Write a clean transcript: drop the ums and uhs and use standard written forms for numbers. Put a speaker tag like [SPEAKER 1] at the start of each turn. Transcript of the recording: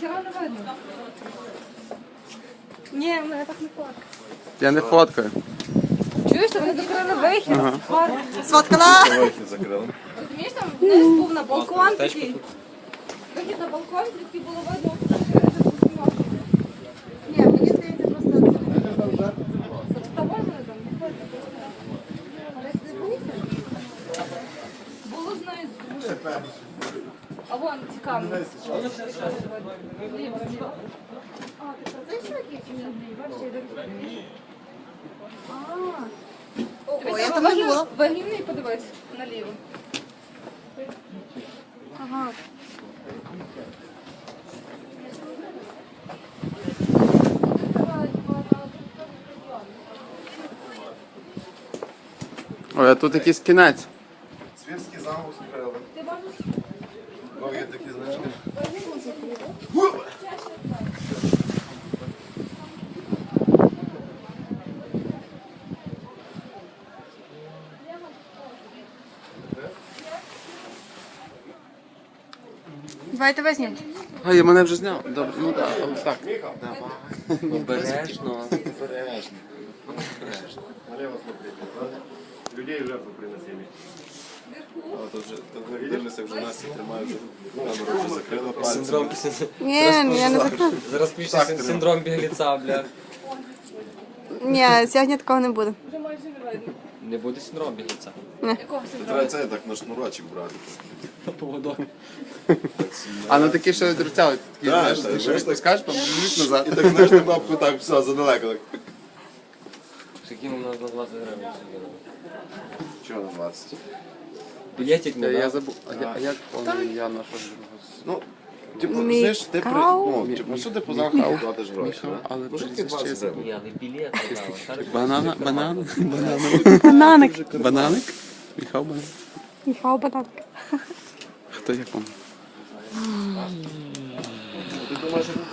[SPEAKER 1] ніхера не видно. Ні, мене так не фоткає.
[SPEAKER 2] Я не фоткаю.
[SPEAKER 1] Чуєш, вони закрили вихід?
[SPEAKER 3] Сфоткала!
[SPEAKER 4] Вихід закрили.
[SPEAKER 1] Розумієш, там вниз був на балкон такий. Вихід на балкон, звідки було видно. Ні, мені здається, просто це. Та можна там, не ходить. Але ти боїшся? Було знизу. А вон, цікаво. Ліво, ліво. А, ти про це що який чи ні? Бачиш, я дивлюсь.
[SPEAKER 3] Ого, я там не була.
[SPEAKER 1] Вагінний, подивись, наліво.
[SPEAKER 3] Ага.
[SPEAKER 2] Ой, а тут якийсь кінець.
[SPEAKER 4] Свірський замок закрили. Ну, є такі, знаєш.
[SPEAKER 3] Давайте візьмемо.
[SPEAKER 2] А, я мене вже зняв. Добре, ну так, але так.
[SPEAKER 5] Обережно.
[SPEAKER 4] Обережно. Налево смотрите. Людей в жертву приносили. А тут же, тут дивлюся, вже Настя тримає, вже камеру вже закрила пальцем.
[SPEAKER 5] Синдром.
[SPEAKER 3] Ні, я не закрила.
[SPEAKER 5] Зараз пише синдром бігліця, бля.
[SPEAKER 3] Ні, сьогодні такого не буде.
[SPEAKER 1] Вже майже не видно.
[SPEAKER 5] Не буде синдром бігліця.
[SPEAKER 1] Якого
[SPEAKER 4] Це
[SPEAKER 1] синдрому?
[SPEAKER 4] треба це так на шнурочок брати.
[SPEAKER 5] Поводок.
[SPEAKER 2] А ну такі ще відрицяли. Такі,
[SPEAKER 4] Так,
[SPEAKER 2] знаєш,
[SPEAKER 4] так,
[SPEAKER 2] ти
[SPEAKER 4] знаєш,
[SPEAKER 2] що
[SPEAKER 4] так.
[SPEAKER 2] скажеш, побіжить назад.
[SPEAKER 4] І так, знаєш, на кнопку так, все, задалеко. Так.
[SPEAKER 5] Скільки нам на 20 гривень сьогодні?
[SPEAKER 4] Чого на 20?
[SPEAKER 5] Білетик не
[SPEAKER 2] Я
[SPEAKER 5] дав.
[SPEAKER 2] забув. А як повне ім'я нашого другого?
[SPEAKER 4] Ну, типу, знаєш, ти при...
[SPEAKER 3] Мікау.
[SPEAKER 4] Ну, типу, сюди по замку платиш гроші.
[SPEAKER 2] Міхал,
[SPEAKER 4] да?
[SPEAKER 2] але
[SPEAKER 4] Ну, ж таки
[SPEAKER 2] прізвище
[SPEAKER 4] 20 гривень.
[SPEAKER 5] Ні, але білет не дав.
[SPEAKER 2] Бананик.
[SPEAKER 3] Бананик.
[SPEAKER 2] Бананик? Міхал Бананик.
[SPEAKER 3] Міхал бананик.
[SPEAKER 2] Хто як вам?
[SPEAKER 4] Ти думаєш, що тут